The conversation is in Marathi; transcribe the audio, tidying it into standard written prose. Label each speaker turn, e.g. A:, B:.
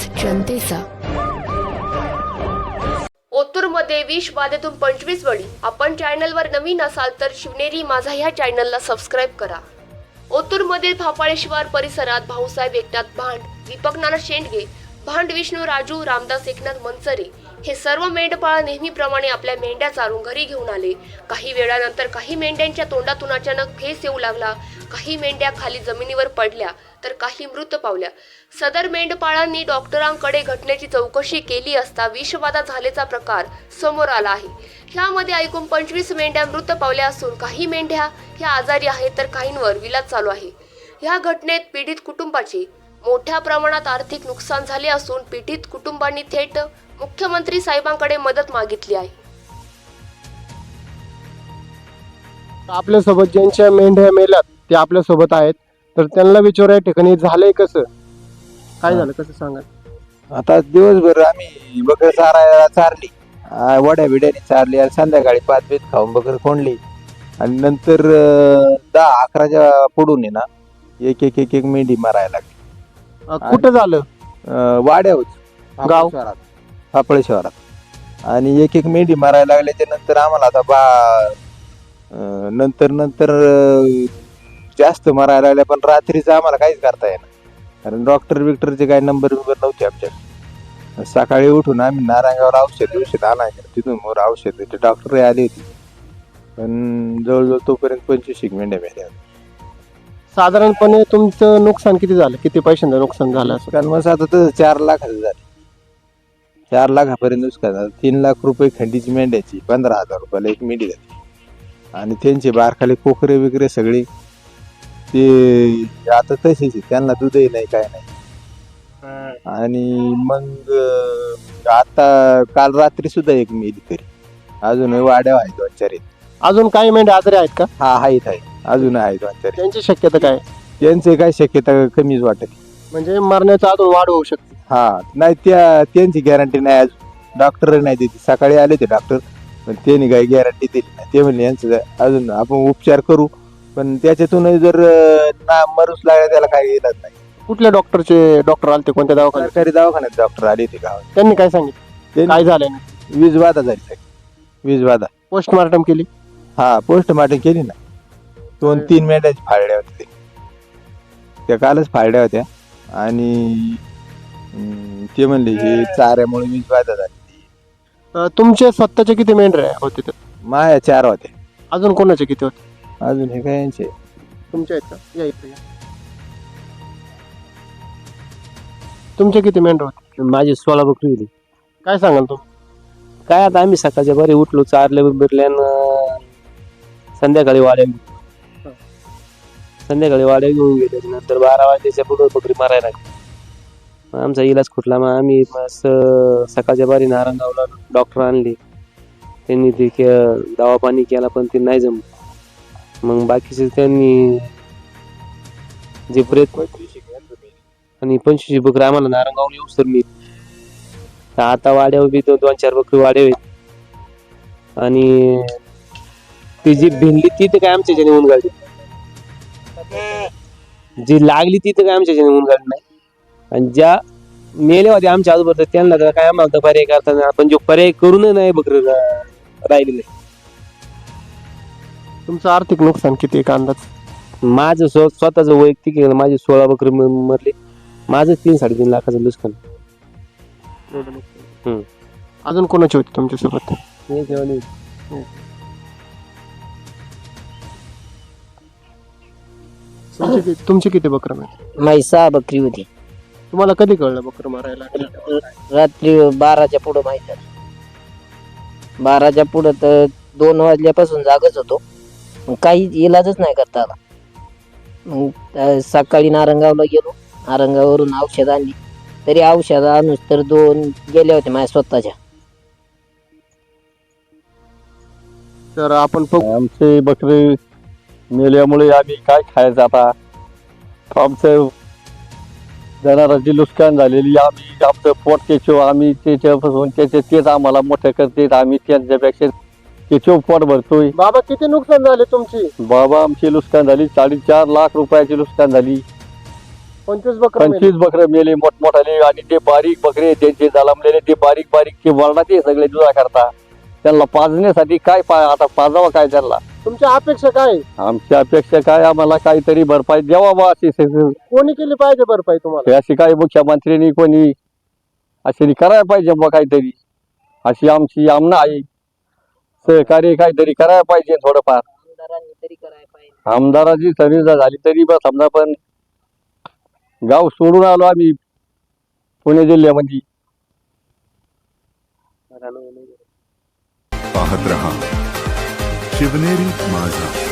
A: जनतेचा.
B: ओतूरमध्ये विष बाधेतून 25 बळी. आपण चॅनलवर नवीन असाल तर शिवनेरी माझा ह्या चॅनलला सबस्क्राईब करा. ओतूरमधील फापाळे शिवार परिसरात भाऊसाहेब एकनाथ भांड, दीपक नाना शेंडगे, भांड विष्णू राजू, रामदास एकनाथ मनसरे हे सर्व मेंढपाळ नेहमीप्रमाणे आपल्या मेंढ्या चारून घरी घेऊन आले. काही वेळानंतर काही मेंढ्यांच्या तोंडातून अचानक फेस येऊ लागला. काही मेंढ्या खाली जमिनीवर पडल्या तर काही मृत पावल्या. सदर मेंढपाळांनी डॉक्टरांकडे घटनेची चौकशी केली असता विषबाधा झाल्याचा प्रकार समोर आला आहे. ह्यामध्ये एकूण 25 मेंढ्या मृत पावल्या असून काही मेंढ्या ह्या आजारी आहेत तर काहींवर इलाज चालू आहे. ह्या घटनेत पीडित कुटुंबाचे मोठ्या प्रमाणात आर्थिक नुकसान झाले असून पीडित कुटुंबांनी थेट मुख्यमंत्री साहेबांकडे मदत मागितली आहे.
C: आपल्यासोबत ज्यांच्या मेंढ्या मेल्यात ते आपल्यासोबत आहेत, तर त्यांना विचार या ठिकाणी झालंय कसं, काय झालं कसं सांगा.
D: आता दिवसभर आम्ही बकर चारली, वड्या बिड्याने चारली आणि संध्याकाळी 5 बीत खाऊन बकर कोंडली आणि नंतर 10-11च्या पुढून आहे ना एक एक एक एक मेंढी मारायला लागली.
C: कुठं झालं?
D: वाड्यावर
C: गाव
D: फापळे शहरात आणि एक एक मेंढी मारायला लागल्याच्या नंतर आम्हाला आता नंतर जास्त मारायला लागल्या, पण रात्रीचं आम्हाला काहीच करता येणार कारण डॉक्टरचे काही नंबर नव्हते आमच्याकडे. सकाळी उठून आम्ही नारायणगावला औषध आणायचं, तिथून मोर औषध डॉक्टर आले होते, पण जवळजवळ तोपर्यंत 25 मेंढ्या मेल्या.
C: साधारणपणे तुमचं नुकसान किती झालं, किती पैशांचं नुकसान झालं असं?
D: कारण मग आता तर 4 लाखाचं झाले, 4 लाखापर्यंत नुकसान झालं. 3 लाख रुपये खंडीची मेंढ्याची, 15,000 रुपयाला एक मेंढी झाली आणि त्यांचे बारखाले कोकरे वगैरे सगळे ते आता तसेच, त्यांना दूधही नाही काय नाही. आणि मग आता काल रात्री सुद्धा एक मेली तरी, अजून वाड्या आहेत 2-4.
C: अजून काही मेंढ्या आजारी आहेत का?
D: हा आहेत अजून आहे 2-4.
C: त्यांची शक्यता काय?
D: त्यांचे काय शक्यता कमीच वाटत,
C: म्हणजे मरण्याचा अजून वाढ होऊ शकते.
D: हा नाही त्यांची गॅरंटी नाही अजून, डॉक्टर नाही देते. सकाळी आले ते डॉक्टर, पण त्यांनी काही गॅरंटी दिली नाही. ते म्हणले यांचं अजून आपण उपचार करू, पण त्याच्यातून जर ना मरूच लागला त्याला काही इलाज नाही.
C: कुठल्या डॉक्टर आले, कोणत्या दवाखान्यात?
D: सरकारी दवाखान्यात डॉक्टर आले ते गावात.
C: त्यांनी काय सांगितलं, काय झालं?
D: वीजबाधा झाली, वीजबाधा.
C: पोस्टमार्टम केली?
D: हा पोस्टमार्टम केली ना. 2-3 मेंढ्याची फाळल्या होत्या त्या कालच फाळल्या होत्या आणि ते म्हणले हे चाऱ्यामुळे वीजबाधा झाली.
C: तुमचे स्वतःचे किती मेंढ्या होते?
D: माया 4 होत्या.
C: अजून कोणाचे किती होते?
D: अजून हे काय यांचे
C: तुमच्या आहेत का? या इथे या. तुमचे किती मेंढ्या होते?
E: माझी 16 बकरी होती.
C: काय सांगाल तुम्ही?
E: काय आता आम्ही सकाळच्या बरे उठलो, चारले बिरल्यानं संध्याकाळी वाड्या घेऊन गेले. नंतर 12 वाजल्याच्या पुढे बकरी मारायला लागली. आमचा इलाज खुटला. मग आम्ही सकाळच्या बारी नारायणगावला डॉक्टर आणले, त्यांनी ते दवा पाणी केला पण ते नाही जमलं. मग बाकीचे त्यांनी जे प्रयत्न आणि 25 बकरी आम्हाला नारायणगावला येऊस तर मी आता वाड्यावर बी 2-4 बकरी वाड्या आहेत आणि ती जी भिनली ती तर काय आमच्या ज्याने ऊन गाडी, जी लागली ती तर काय आमच्या ज्याने ऊन गाडी नाही. आणि ज्या मेल्या होत्या आमच्या आजूबाजूला त्यांना तर काय आम्हाला पर्याय करता, आपण जो पर्याय करून नाही बकरी राहिलेले.
C: तुमचं आर्थिक नुकसान किती का अंदाज?
E: माझं स्वतःच वैयक्तिक माझी 16 बकरी मरली. माझं 3-3.5 लाखाचं नुकसान.
C: अजून कोणाची होती तुमच्या सोबत? तुमची किती बकरं मारली?
F: माझी 6 बकरी होती.
C: तुम्हाला कधी कळलं बकरं मारायला?
F: रात्री 12च्या पुढं माहित झालं. 12च्या पुढं तर 2 वाजल्यापासून जागच होतो, काही इलाजच नाही करता आला. मग सकाळी नारंगावला गेलो, नारंगावरून औषध आणली, तरी औषध आणूच तर 2 गेले होते माझ्या स्वतःच्या.
C: तर आपण
G: आमचे बकरी मेल्यामुळे आम्ही काय खायचं आता? आमचं जनावरांची नुकसान झालेली, आम्ही आमचं पोट त्याच्यावर आम्ही त्याच्यापासून तेच आम्हाला मोठं करते, आम्ही त्यांच्यापेक्षा त्याच्यावर पोट भरतोय.
C: बाबा किती नुकसान झाले तुमची?
G: बाबा आमची नुकसान झाली 4.5 लाख रुपयाची नुकसान झाली.
C: 25 बकरा मेले.
G: 25 बकरे मेले मोठमोठाले, आणि ते बारीक बकरे त्यांचे जलमलेले ते बारीक बारीक ते वरणात हे सगळे दुधा करता. त्यांना पाजण्यासाठी काय आता पाजावं काय त्यांना.
C: तुमच्या अपेक्षा काय आहे?
G: आमची अपेक्षा काय, आम्हाला काहीतरी भरपाई द्यावा बा अशी
C: कोणी केली पाहिजे भरपाई तुम्हाला?
G: अशी काही मुख्यमंत्र्यांनी कोणी अशी करायला पाहिजे बा काहीतरी. अशी आमची आमना आहे, सहकार्य काहीतरी करायला पाहिजे थोडंफार.
F: आमदारांनी तरी करायला पाहिजे.
G: आमदाराची सर्व्हिस झाली तरी बा समजा, पण गाव सोडून आलो आम्ही पुणे जिल्ह्यामध्ये.
A: पाहत रहा शिवनेरी माझा.